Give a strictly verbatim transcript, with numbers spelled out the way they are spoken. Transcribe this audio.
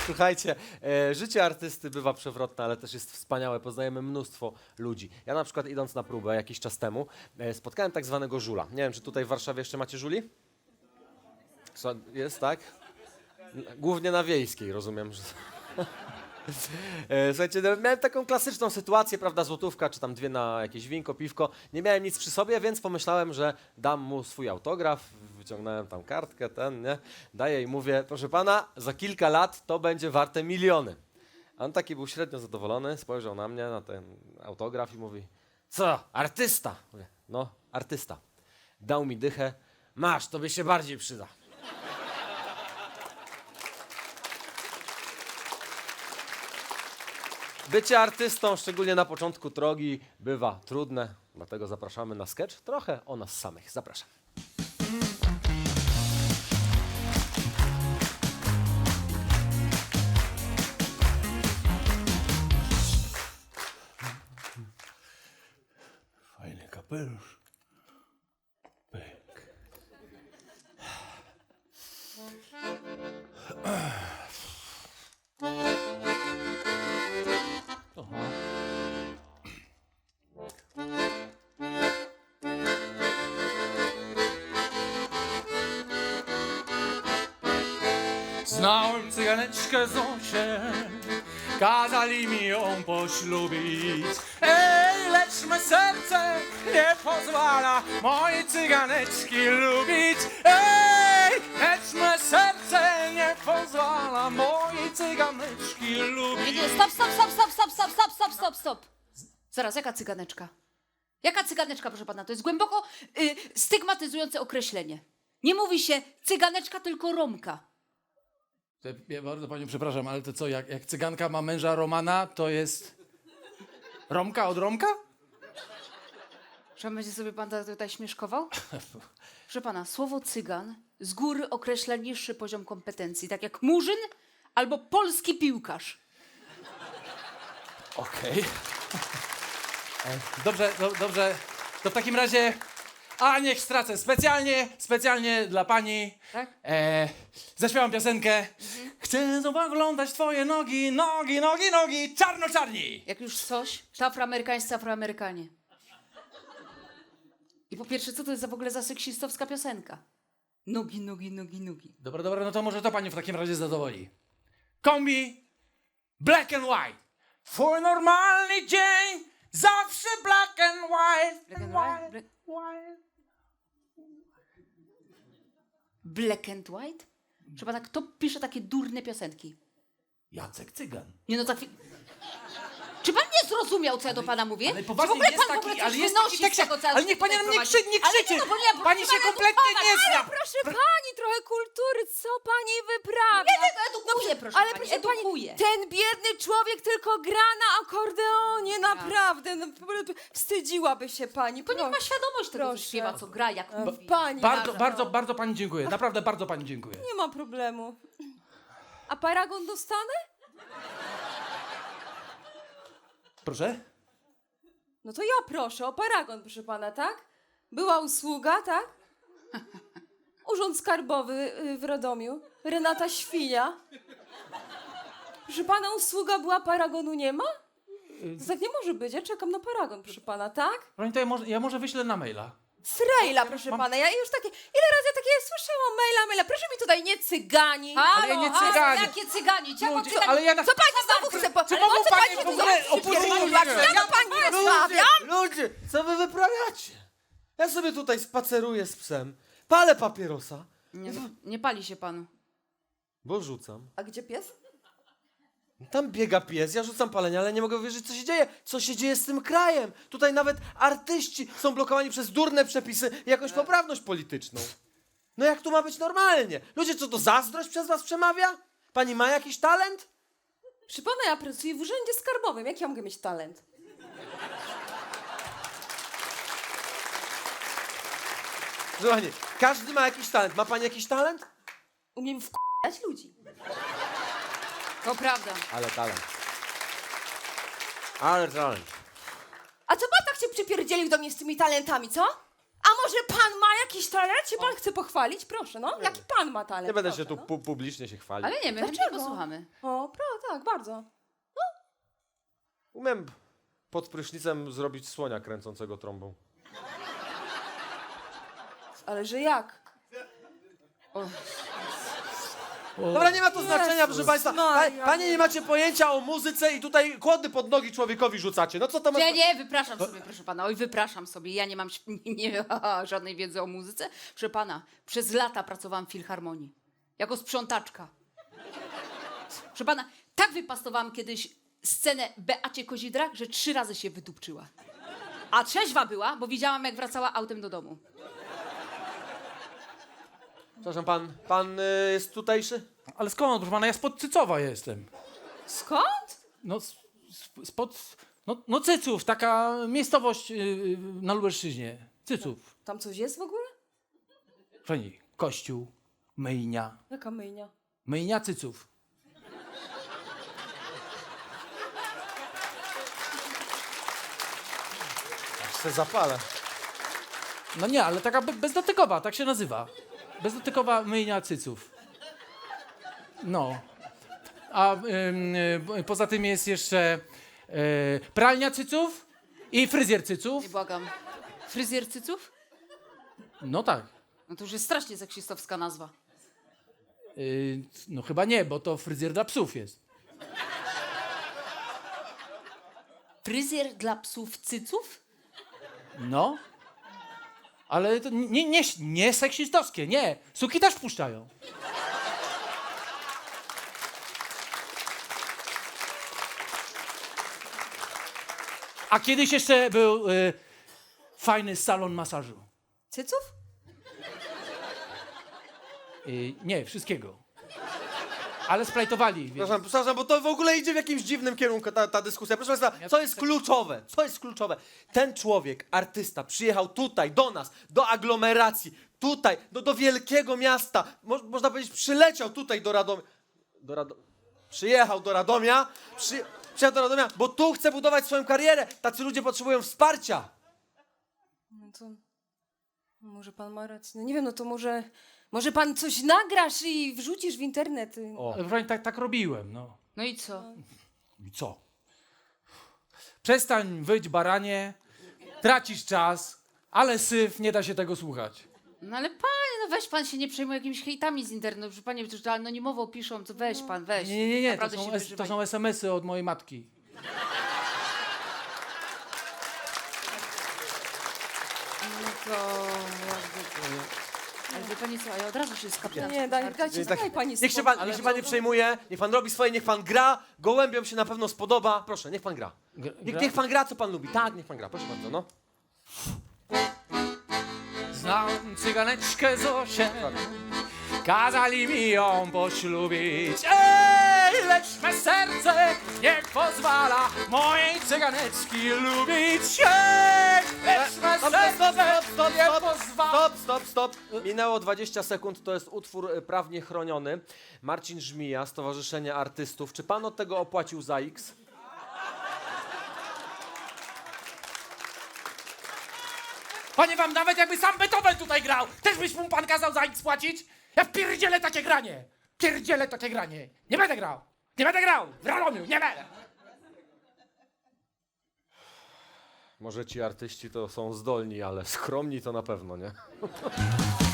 Słuchajcie, e, życie artysty bywa przewrotne, ale też jest wspaniałe. Poznajemy mnóstwo ludzi. Ja na przykład idąc na próbę jakiś czas temu e, spotkałem tak zwanego żula. Nie wiem, czy tutaj w Warszawie jeszcze macie żuli? Co, jest, tak? Głównie na Wiejskiej, rozumiem. Że... E, Słuchajcie, no, miałem taką klasyczną sytuację, prawda, złotówka, czy tam dwie na jakieś winko, piwko. Nie miałem nic przy sobie, więc pomyślałem, że dam mu swój autograf. Wyciągnąłem tam kartkę, ten, nie? Daję i mówię, proszę pana, za kilka lat to będzie warte miliony. A on taki był średnio zadowolony, spojrzał na mnie, na ten autograf i mówi, co, artysta? Mówię, no, artysta. Dał mi dychę, masz, tobie się bardziej przyda. Bycie artystą, szczególnie na początku drogi, bywa trudne, dlatego zapraszamy na sketch trochę o nas samych. Zapraszam. Fajny kapelusz. Pyk. Aha. Znałem cyganeczkę Zosię, kazali mi ją poślubić. Ej, lecz me serce nie pozwala mojej cyganeczki lubić. Ej, lecz me serce nie pozwala mojej cyganeczki lubić. Nie, stop, stop, stop, stop, stop, stop, stop, stop, stop, stop. Zaraz, jaka cyganeczka? Jaka cyganeczka, proszę pana? To jest głęboko y, stygmatyzujące określenie. Nie mówi się cyganeczka, tylko Romka. To Ja bardzo panią przepraszam, ale to co, jak, jak cyganka ma męża Romana, to jest Romka od Romka? Że będzie sobie pan ta- tutaj śmieszkował? Proszę pana, słowo cygan z góry określa niższy poziom kompetencji, tak jak murzyn albo polski piłkarz. Okej. E, Dobrze, do, dobrze. To w takim razie, a niech stracę specjalnie, specjalnie dla pani. Tak? E, zaśpiewam piosenkę. Chcę oglądać twoje nogi, nogi, nogi, nogi, czarno-czarni. Jak już coś, to afroamerykańscy Afroamerykanie. I po pierwsze, co to jest za w ogóle za seksistowska piosenka? Nogi, nogi, nogi, nogi. Dobra, dobra, no to może to panią w takim razie zadowoli. Kombi black and white. Twój normalny dzień, zawsze black and white. Black and white? Black, white. black and white? Proszę pana, kto pisze takie durne piosenki? Jacek Cygan. Nie no, za chwilę... Czy pan nie zrozumiał, co ja do pana mówię? Ale Czy poważnie w ogóle jest pan w ogóle taki, coś ale jest wynosi taki z tekst, tego, co ja ale niech pani tutaj na mnie prowadzi? krzy, nie Ale krzyczy. nie, no, bo nie, Pani się proszę kompletnie edukować. nie zna. Proszę pani, trochę kultury, co pani wyprawia? Ja tego edukuję, proszę Ale pani, proszę edukuję. pani, ten biedny człowiek tylko gra na akordeonie, naprawdę. No, po prostu wstydziłaby się pani. To niech ma świadomość tego, co Proszę. śpiewa, co gra, jak E, mówi. Pani, Bardzo, no. bardzo, bardzo pani dziękuję. Naprawdę bardzo pani dziękuję. Nie ma problemu. A paragon dostanę? Proszę? No to ja proszę o paragon, proszę pana, tak? Była usługa, tak? Urząd Skarbowy y, w Radomiu. Renata Świnia. Proszę pana, usługa była, paragonu nie ma? To tak nie może być, ja czekam na paragon, proszę pana, tak? Pani to ja może, ja może wyślę na maila. Z Rejla, proszę pana, ja już takie, ile razy ja takie słyszałam, maila, maila, proszę mi tutaj nie cygani. Halo, Ale ja nie halo, cyganie. jakie cyganie? Czemu Ludzie, cyganie? ale ja na... Co pani znowu chce po... Czy ale mogą o co panie pani w ogóle tu opuścić przypierdoliła? ludzi? Ja do pani nie rozmawiam. Ludzie, co wy wyprawiacie? Ja sobie tutaj spaceruję z psem, palę papierosa, Nie, nie pali się panu. bo rzucam. A gdzie pies? Tam biega pies, ja rzucam palenie, ale nie mogę uwierzyć, co się dzieje. Co się dzieje z tym krajem? Tutaj nawet artyści są blokowani przez durne przepisy i jakąś poprawność polityczną. No jak tu ma być normalnie? Ludzie, co to zazdrość przez was przemawia? Pani ma jakiś talent? Proszę pana, ja pracuję w urzędzie skarbowym, jak ja mogę mieć talent? Proszę pani, każdy ma jakiś talent. Ma pani jakiś talent? Umiem wk***ać ludzi. To prawda. Ale talent. Ale talent. A co pan tak się przypierdzielił do mnie z tymi talentami, co? A może pan ma jakiś talent? Się pan chce pochwalić? Proszę, no. Jaki pan ma talent? Nie będę Proszę, się tu no. pu publicznie się chwalić. Ale nie, my chętnie Dlaczego? posłuchamy. O, prawda, tak, bardzo. Umiem pod prysznicem zrobić słonia kręcącego trąbą. Ale że jak? O, Dobra, nie ma to znaczenia, Jezus proszę państwa. Pa, Maria. panie nie macie pojęcia o muzyce i tutaj kłody pod nogi człowiekowi rzucacie. No co to ma... nie, nie, wypraszam sobie, proszę pana. Oj, wypraszam sobie. Ja nie mam nie, nie, żadnej wiedzy o muzyce. Proszę pana, przez lata pracowałam w filharmonii. Jako sprzątaczka. Proszę pana, tak wypastowałam kiedyś scenę Beacie Kozidrak, że trzy razy się wydupczyła. A trzeźwa była, bo widziałam, jak wracała autem do domu. Przepraszam, pan, pan y, jest tutejszy? Ale skąd, proszę pana, ja spod Cycowa jestem. Skąd? No, s- s- spod... No, no Cyców, taka miejscowość yy, na Lubelszczyźnie. Cyców. Tam coś jest w ogóle? Pani, kościół, myjnia. Jaka myjnia? Myjnia Cyców. Aż se zapalę. No nie, ale taka be- bezdotykowa, tak się nazywa. Bezdotykowa myjnia Cyców. No. A ym, y, poza tym jest jeszcze y, pralnia Cyców i fryzjer Cyców. Nie błagam. Fryzjer cyców? No tak. No to już jest strasznie seksistowska nazwa. Y, no chyba nie, bo to fryzjer dla psów jest. Fryzjer dla psów cyców? No. Ale to nie, nie, nie seksistowskie, nie. Suki też puszczają. A kiedyś jeszcze był y, fajny salon masażu. Cyców? Y, nie, wszystkiego. Ale splajtowali. Wiesz. Przepraszam, przepraszam, bo to w ogóle idzie w jakimś dziwnym kierunku ta, ta dyskusja. Proszę państwa, co jest kluczowe? Co jest kluczowe? Ten człowiek, artysta, przyjechał tutaj, do nas, do aglomeracji, tutaj, do, do wielkiego miasta. Mo, można powiedzieć, przyleciał tutaj do Radomia. Do Rado... Przyjechał do Radomia, przy, przyjechał do Radomia, bo tu chce budować swoją karierę. Tacy ludzie potrzebują wsparcia. No to... Może pan ma rację. No nie wiem, no to może... Może pan coś nagrasz i wrzucisz w internet. O. Ale proszę, tak, tak robiłem, no. No i co? I co? Przestań wyć, baranie, tracisz czas, ale syf, nie da się tego słuchać. No ale panie, no weź pan się nie przejmuj jakimiś hejtami z internetu. Że panie, że anonimowo piszą, to weź pan, weź. Nie, nie, nie, to Naprawdę są, się es, to wyżywaj. są es em esy od mojej matki. No to jakby... Ale wie pani co, a ja od razu się skapiłam. Nie, daj, dajcie, Tak, daj pani niech się spokój. pan, niech się pan nie przejmuje, niech pan robi swoje, niech pan gra. Gołębiom się na pewno spodoba. Proszę, niech pan gra. Gra- Niech, gra? niech pan gra, co pan lubi. Tak, niech pan gra, proszę bardzo, no. Znam cyganeczkę Zosię, kazali mi ją poślubić. Ej, lecz me serce nie pozwala mojej cyganeczki lubić. Ej, lecz me Stop, serce stop, stop, stop, nie stop, pozwala. stop, stop, stop. Minęło dwadzieścia sekund, to jest utwór e, prawnie chroniony. Marcin Żmija, Stowarzyszenie Artystów. Czy pan od tego opłacił za X? Panie wam, nawet jakby sam Beethoven tutaj grał, też byś mu pan kazał za X płacić? Ja pierdzielę takie granie. Pierdzielę takie granie. Nie będę grał. Nie będę grał. W Radomiu, nie będę. Może ci artyści to są zdolni, ale skromni to na pewno, nie?